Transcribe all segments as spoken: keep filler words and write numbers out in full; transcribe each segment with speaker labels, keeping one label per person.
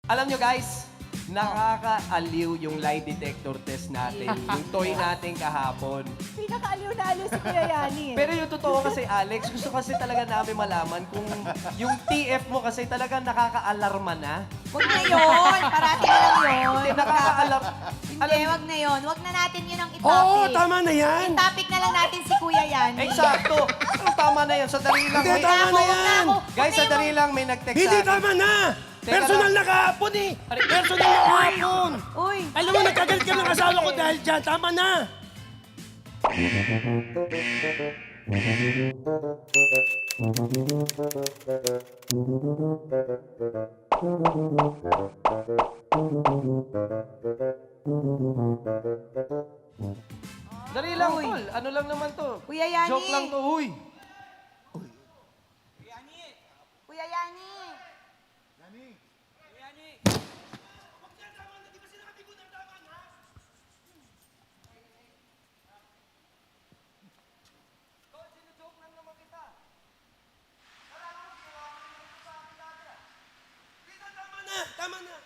Speaker 1: Alam nyo guys, nakakaaliw yung lie detector test natin. Yung toy natin kahapon.
Speaker 2: Pinakaaliw na aliw si Kuya Yani. eh.
Speaker 1: Pero yung totoo kasi, Alex, gusto kasi talaga namin malaman kung yung T F mo kasi talaga nakaka-alarma na.
Speaker 2: Huwag na yun. Parati na lang yun.
Speaker 1: Hindi, nakaka-alarm.
Speaker 2: Hindi, wag na yun. Wag na natin yun ang
Speaker 3: Oo,
Speaker 2: itopic.
Speaker 3: tama na yan.
Speaker 2: I-topic na lang natin si Kuya Yani.
Speaker 1: Eksakto. Pero tama na yan. Sa dali lang.
Speaker 3: Hindi,
Speaker 1: May,
Speaker 3: tama na
Speaker 2: Wag
Speaker 3: yan.
Speaker 2: ako.
Speaker 1: guys, sa
Speaker 2: Wag na
Speaker 1: dali
Speaker 2: yung-
Speaker 1: lang may nag-text sa
Speaker 3: Hindi
Speaker 1: akin.
Speaker 3: tama na.
Speaker 1: Teka
Speaker 3: Personal
Speaker 1: lang.
Speaker 3: na kahapon eh.
Speaker 1: Ari-
Speaker 3: Personal na kahapon.
Speaker 2: Uy.
Speaker 3: Alam mo, nagkagalit ka ng asawa ko dahil dyan. Tama na.
Speaker 1: Dali lang,
Speaker 2: Uy.
Speaker 1: tol. Ano lang naman to?
Speaker 2: Kuya Yani.
Speaker 1: Joke lang to, huy.
Speaker 2: Kuya Yani.
Speaker 3: Tama na. Tama na.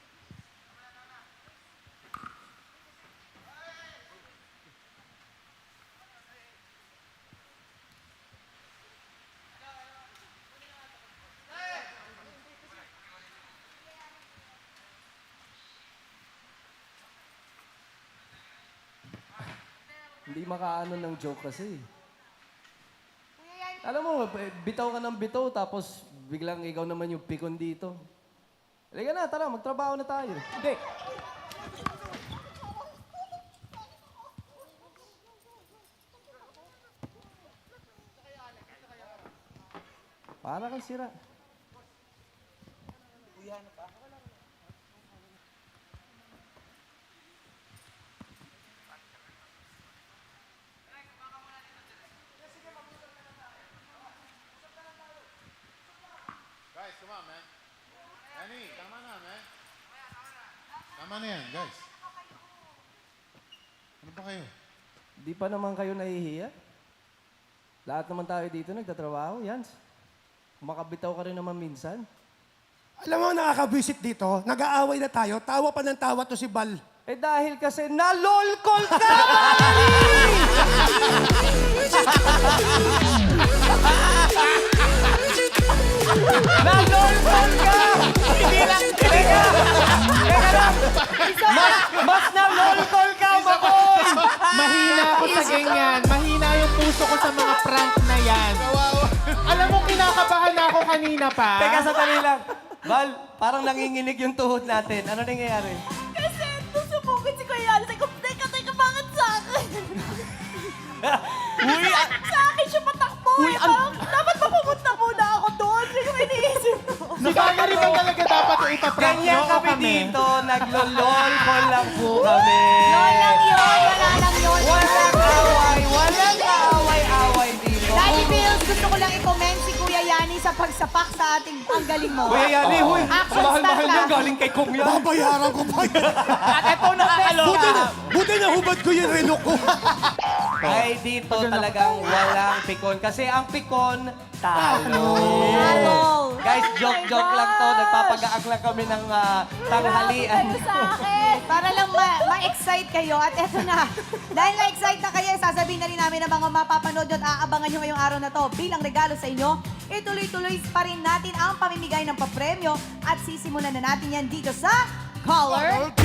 Speaker 1: Hindi makaano ng joke kasi.
Speaker 2: Kuya Yani.
Speaker 1: Alam mo, eh, bitaw ka ng bitaw, tapos biglang ikaw naman yung pikon dito. Halika na, tara, magtrabaho na tayo. Hindi. Para kang sira.
Speaker 4: Guys, come on, man. Danny, tama na, man. Tama na yan, guys. Ano ba kayo?
Speaker 1: Di pa naman kayo nahihiya? Lahat naman tayo dito nagtatrabaho, yan. Makabitaw ka rin naman minsan.
Speaker 3: Alam mo, nakaka-visit dito. Nag-aaway na tayo. Tawa pa ng tawa to si Bal.
Speaker 1: Eh dahil kasi nalolkol ka! Nalolkol ka! Hindi lang, teka! Teka lang! Mas, mas nalolkol ka, Makoy!
Speaker 5: Mahina ako sa ganyan. Mahina yung puso ko sa mga prank na yan. Alam mo, kinakabahan na ako kanina pa.
Speaker 1: Teka, sandali lang. Val, parang nanginginig yung tuhod natin. Ano nangyayari?
Speaker 2: Kasi nusubugin si Kuya Yani. Sabi ko, teka, teka, bakit sa akin?
Speaker 1: Uy, ah,
Speaker 2: Sa akin siya patakbo.
Speaker 1: Uy,
Speaker 2: eh.
Speaker 1: an-
Speaker 2: Parang, dapat ba pumunta muna ako doon? Hindi ko iniisip ko.
Speaker 5: Si Valerie ba talaga dapat yung ipaprank
Speaker 1: ganyan
Speaker 5: nyo o
Speaker 1: kami
Speaker 5: kami?
Speaker 1: dito. Naglololkol lang po kami.
Speaker 2: Yun lang yun. Wala lang yun.
Speaker 1: Walang away. Walang away-away dito.
Speaker 2: Daddy Bills, gusto ko lang i-comment si Kuya Yani sa pagsapak sa ating ang galing mo.
Speaker 1: Kuya Yani, huy.
Speaker 2: Action
Speaker 1: Mahal-mahal
Speaker 2: star
Speaker 1: yan.
Speaker 2: ka.
Speaker 1: Galing kay Kong yan.
Speaker 3: Babayaran ko pa yan.
Speaker 5: At ito nakakaloka.
Speaker 3: Buti na, buti na hubad ko yung relo ko.
Speaker 1: Ay, dito talagang walang pikon. Kasi ang pikon, talo.
Speaker 2: Talo.
Speaker 1: Guys,
Speaker 2: Oh
Speaker 1: joke-joke
Speaker 2: my
Speaker 1: lang to.
Speaker 2: gosh.
Speaker 1: Nagpapagaak lang kami ng ah, tanghalian.
Speaker 2: Grabe kayo sa akin. Para lang ma- ma-excite kayo. At eto na. Dahil na-excite na kayo, sasabihin na rin namin ang mga mapapanood nyo at aabangan nyo ngayong araw na to. Bilang regalo sa inyo, ituloy-tuloy pa rin natin ang pamimigay ng papremyo at sisimulan na natin yan dito sa Color